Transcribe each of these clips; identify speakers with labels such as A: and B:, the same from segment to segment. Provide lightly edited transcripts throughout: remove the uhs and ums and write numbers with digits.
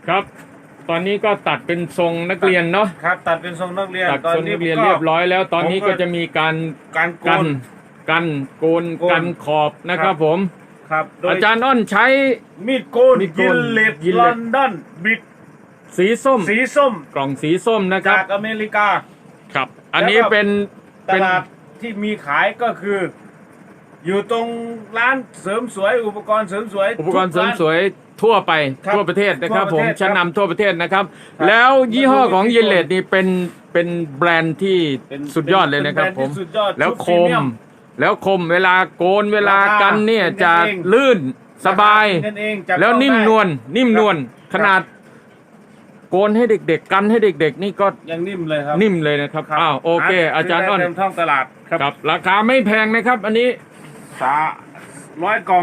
A: ครับตอนนี้ก็ตัดเป็นทรงนักเรียนเนาะ
B: ครับตัดเป็นทรงนักเรียน
A: ตัดทรงนักเรียนเรียบร้อยแล้วตอนนี้ก็จะมีการ
B: โกน
A: กันขอบนะครับผม
B: ครับ
A: อาจารย์อ้อนใช้
B: มีดโกนยินเลดลอนดอนบิด
A: สีส้มกล่องสีส้มนะครับ
B: จากอเมริกา
A: ครับอันนี้เป็น
B: ตลาดที่มีขายก็คืออยู่ตรงร้านเสริมสวยอุปกรณ์เสริมสวย
A: ทั่วไปทั่วประเทศนะครับผมชั้นนำทั่วประเทศนะครับแล้วยี่ห้อของยินเลดนี่เป็นแบรนด์ที่สุดยอดเลยนะครับผมแล้วคมเวลาโกนเวลากันเนี่ยจะลื่นสบายแล้วนิ่มนวลขนาดโกนให้เด็กๆกันให้เด็กๆนี่ก็
B: ยังนิ่มเลยครับ
A: นิ่มเลยนะครับอ้าวโอเคอาจารย์อ้อน
B: ท่องตลาด
A: ครับราคาไม่แพงนะครับอันนี้
B: 100 กล่อง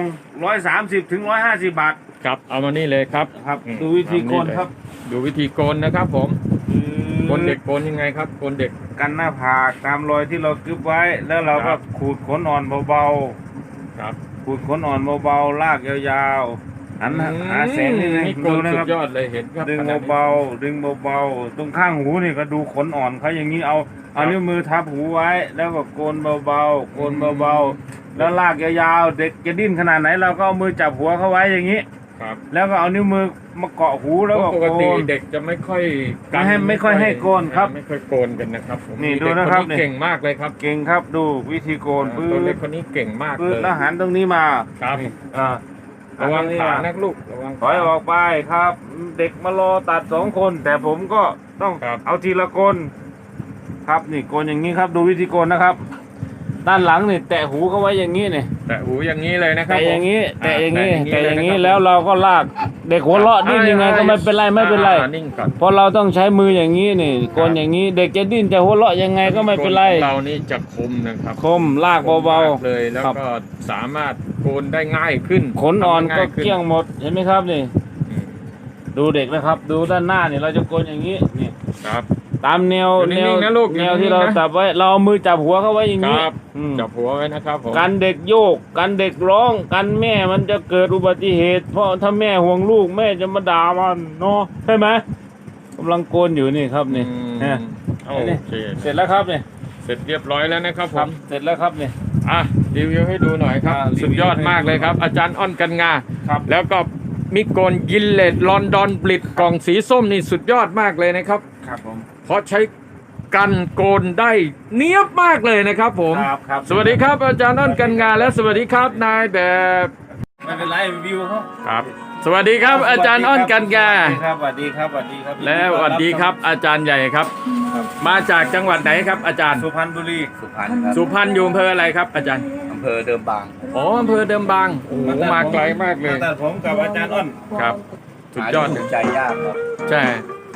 B: 130 ถึง 150 บาท
A: ครับเอามานี่เลยครับ
B: ดูวิธีโกนครับ
A: ดูวิธีโกนนะครับผมโกนเด็กโกนยังไงครับโกนเด็ก
B: กันหน้าผากตามรอยที่เรากึบไว้แล้วเราก็ขูดขนอ่อนเบา
A: ๆครับ
B: ขูดขนอ่อนเบาๆลากยาวๆหันหาแสงนี่เลย
A: ดูนะครับสุดยอดเลยเห็นครับ
B: ดึงเบาๆตรงข้างหูนี่ก็ดูขนอ่อนเขาอย่างนี้เอานิ้วมือทับหูไว้แล้วก็โกนเบาๆแล้วลากยาวๆเด็กจะดิ้นขนาดไหนเราก็เอามือจับหัวเขาไว้อย่างนี้แล้วก็เอานิ้วมือมาเกาะหูแล้วก็
A: ปกติเด็กจะไม่ค่อย
B: ให้โกนครับ
A: ไม่ค่อยโกนกันนะครับ
B: นี่ดูนะครับ
A: เก่งมากเลยครับ
B: เก่งครับดูวิธีโกน
A: ตัวเล็กคนนี้เก่งมากเลย
B: แล้วหันตรงนี้มา
A: ครับระวังขานักลูกระวัง
B: ถอยออกไปครับเด็กมารอตัด2 คนแต่ผมก็ต้องเอาทีละคนครับนี่โกนอย่างนี้ครับดูวิธีโกนนะครับด้านหลังนี่แตะหูเขาไว้อย่างนี้เนี่ย
A: แตะหูอย่างนี้เลยนะครับ
B: แตะอย่างนี้แล้วเราก็ลากเด็กหัวเราะดิ้นยังไงก็ไม่เป็นไรเพราะเราต้องใช้มืออย่างนี้นี่โกนอย่างนี้เด็กจะดิ้นจะหัวเราะยังไงก็ไม่เป็นไร
A: เรานี่จะคมนะครับ
B: คมลากเบา
A: ๆเลยแล้วก็สามารถโกนได้ง่ายขึ้น
B: ขนอ่อนก็เกลี้ยงหมดเห็นไหมครับนี่ดูเด็กนะครับดูด้านหน้านี่เราจะโกนอย่างนี้นี่
A: ครับ
B: ตามแนวที่เราจับไว้เราเอามือจับหัวเขาไว้อย่างนี้
A: จับหัวไว้นะครับผม
B: กันเด็กโยกกันเด็กร้องกันแม่มันจะเกิดอุบัติเหตุเพราะถ้าแม่ห่วงลูกแม่จะมาด่ามันเนาะใช่ไหมกำลังโกนอยู่นี่ครับนี่
A: โอเค
B: เสร็จแล้วครับนี่
A: เสร็จเรียบร้อยแล้วนะครับผม
B: เสร็จแล้วครับนี่
A: รีวิวให้ดูหน่อยครับสุดยอดมากเลยครับอาจารย์อ้อนกันงาแล้วก็มิโกนยินเลดลอนดอนบลิดกล่องสีส้มนี่สุดยอดมากเลยนะครับ
B: ครับผม
A: เพราะใช้กันโกนได้เนียบมากเลยนะครับผมสวัสดีครับอาจารย์อ้อนกันงาและสวัสดีครับนายแบบ
B: ไม่เป็นไรวิว
A: ครับสวัสดีครับอาจารย์อ้อนกันงา
B: สวัสดีครับ
A: และสวัสดีครับอาจารย์ใหญ่ครับมาจากจังหวัดไหนครับอาจารย์
B: สุพรรณบุรี
A: สุพรรณอยู่อำเภออะไรครับอาจารย์
C: อำเภอเดิมบาง
A: อำเภอเดิมบางโอ้มาไกลมากเลย
B: แต่ผมกับอาจารย์อ้อน
A: ครับสุดยอด
C: ใจยากครับ
A: ใช่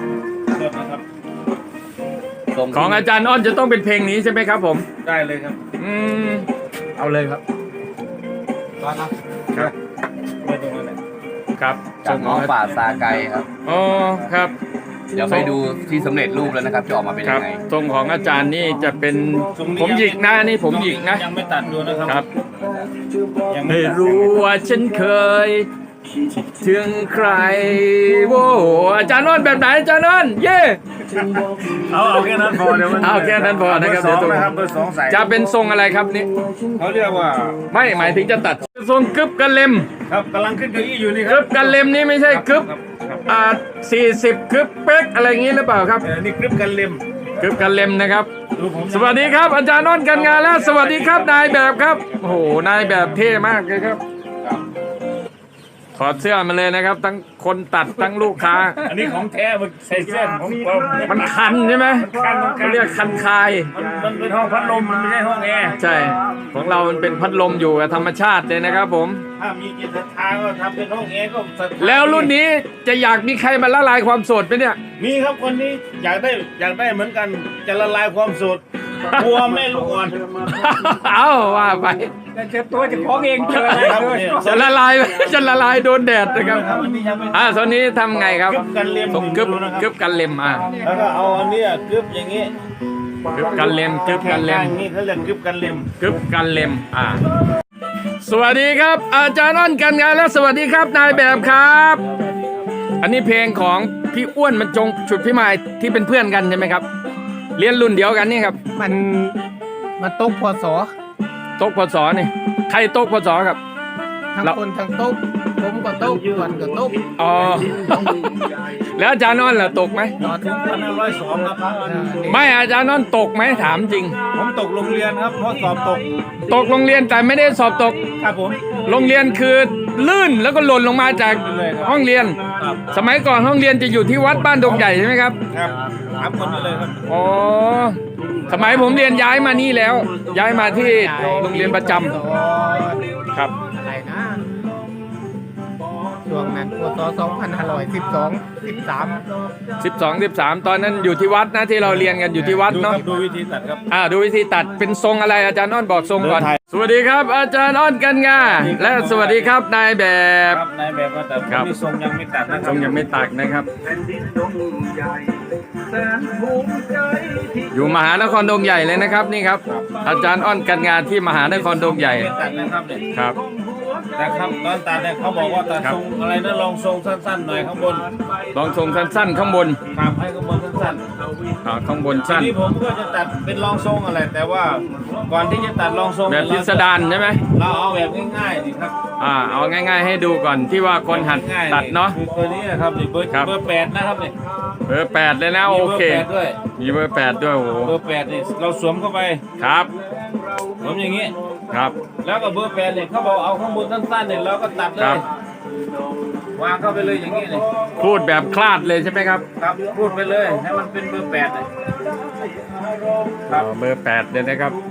A: ของอาจารย์อ้อนจะต้องเป็นเพลงนี้ใช่ไหมครับผม
B: ได้เลยครับ
A: เอาเลยครับ
B: ครับไม่ตรงนั้นเลย
A: ครับ
C: จากน้องป่าซาไกครับ
A: อ๋อครับ
C: เดี๋ยวไปดูที่สำเร็จรูปแล้วนะครับจะออกมาเป็นยังไง
A: ทรงของอาจารย์นี่จะเป็นผมหยิกนะนี่ผมหยิกนะ
B: ยังไม่ตัดดูนะครับ
A: ไม่รู้ว่าฉันเคยถึงใครโว้อาจารย์อ้อนแบบไหนอาจารย์อ้อนเย่
B: เอาแค่นั้นพอเดี๋ยว
A: เอาแค่นั้นพอนะครับ
B: เบอร์สองใส่
A: จะเป็นทรงอะไรครับนี่
B: เขาเรียกว่า
A: ไม่หมายถึงจะตัดทรงกึบกันเล็ม
B: ครับกำลังขึ้นเก้าอี้อยู่นี่ครับ
A: กึบกันเล็มนี่ไม่ใช่กึบ40กึบเป๊กอะไรอย่างนี้หรือเปล่าครับ
B: นี่กึบกันเล็ม
A: นะครับสวัสดีครับอาจารย์อ้อนกันงานแล้วสวัสดีครับนายแบบครับโอ้โหนายแบบเท่มากเลยครับถอดเสื้อมาเลยนะครับทั้งคนตัดทั้งลูกค้า
B: อันนี้ของแท้มันใส่เสื้อของปลอม
A: มันคันใช่ไหมเขาเรียกคันคาย
B: มันเป็นห้องพัดลมมันไม่ใช่ห้องแอร์
A: ใช่ของเรามันเป็นพัดลมอยู่กับธรรมชาติเลยนะครับผม
B: ถ้ามีจิตศรัทธาก็ทำเป็นห้องแอร์ก็
A: แล้วรุ่นนี้จะอยากมีใครมาละลายความโสดไหมเนี่ย
B: มีครับคนนี้อยากได้เหมือนกันจะละลายความโสดกลัวแม่ลูกอ่อน
A: เอาว่าไป
B: เจ็บตัวจะคล้องเองเจออะไรครับ
A: จะละลายโดนแดดนะครับตอนนี้ทำไงครับกึบกันเล็ม
B: แล้วก็เอาอันนี้กึบอย่างนี้
A: กึบกันเล็ม
B: นี่เขาเรียกกึบกันเ
A: ล็มสวัสดีครับอาจารย์อ้อนกันงานและสวัสดีครับนายแบบครับอันนี้เพลงของพี่อ้วนมันจงฉุดพี่มายที่เป็นเพื่อนกันใช่ไหมครับ เรียนรุ่นเดียวกันนี่ครับ
D: มันตกพศ
A: โต๊ะพศนี่ใครโต๊ะพศครับ
D: ทั้ง
A: เรา
D: คนทั้งตกผมก็ตกวันก็ตก
A: อ๋อ แล้วอาจารย์นอนล่ะตกไหม
D: นอน
B: 1,502ครับ
A: ไม่อาจารย์นอนตกไหมถามจริง
B: ผมตกโรงเรียนครับเพราะสอบตก
A: ตกโรงเรียนแต่ไม่ได้สอบตก
B: ครับผม
A: โรงเรียนคือลื่นแล้วก็หล่นลงมาจากห้องเรียน
B: ครับ
A: สมัยก่อนห้องเรียนจะอยู่ที่วัดบ้านดงใหญ่ใช่ไหมครับ
B: ครับถามคนไปเลยครับ
A: อ๋อ สมัยผมเรียนย้ายมานี่แล้ว ย้ายมาที่โรงเรียนประจำครับ
D: อะไรนะช่วงนั้นพศ2512
A: 13 ตอนนั้นอยู่ที่วัดนะที่เราเรียนกันอยู่ที่วัดเนาะ
B: ดูวิธีตัดครับ
A: ดูวิธีตัดเป็นทรงอะไรอาจารย์อ้อนบอกทรงก่อน
B: เดินไทย
A: สวัสดีครับอาจารย์อ้อนกันงาและสวัสดีครับนายแบบ
B: ครับนายแบบว่าแต่ผ
A: ครั
B: ม
A: บ
B: นี่ทรงยังไม่ตัดนะค
A: ท
B: รั
A: รงยังไม่ตัดนะครับ อยู่มหานครดงใหญ่เลยนะครับนี่ครับ อาจารย์อ้อนกันงานที่มหานครดงใหญ่
B: ไม่ตัดนะครับเนี่ย
A: ครับ
B: แต่ครับตอนตัดเนี่ยเขาบอกว่าตัด
A: ครับ
B: ทรงอะไรนะลองทรงสั้นๆหน่อยข้างบน
A: ลองทรงสั้นๆข้างบน
B: ครับให้ข้างบนสั้น
A: ข้างบน
B: ๆที
A: สั้น
B: นี้ผมก็จะตัดเป็นลองทรงอะไรแต่ว่าก่อนที่จะตัดลองทรง
A: แบบพิสดารใช่ไหม
B: เราเอาแบบง่ายๆนี่ครับ
A: เอาง่าย ๆ ให้ดูก่อนที่ว่าคนหัด
B: ง่ายๆ
A: ตัดเนาะ
B: คือตัวนี้นะครับนี่เบอร์
A: ครับ
B: เบอร์8นะครับนี่
A: เบอร์ 8เลยนะโอเค
B: มีบร์8ด้วย
A: มีเบอร์ 8 ด้วยโอ้โห
B: เบอร์8นี่เราสวมเข้าไป
A: ครับ
B: สวมอย่างนี้
A: ครับ
B: แล้วก็เบอร์8เนี่ยเขาบอกเอาข้างบนสั้นๆเนี่ยเราก็ตัดเล
A: ครั
B: ย
A: บ
B: วางเข้าไปเลยอย่างนี้เลย
A: พูดแบบคลาดเลยใช่ไหมครับ
B: ครับพูดไปเลยให้มันเป็นเบอร์8เลยครับ
A: เบอร์ 8เลยนะครับ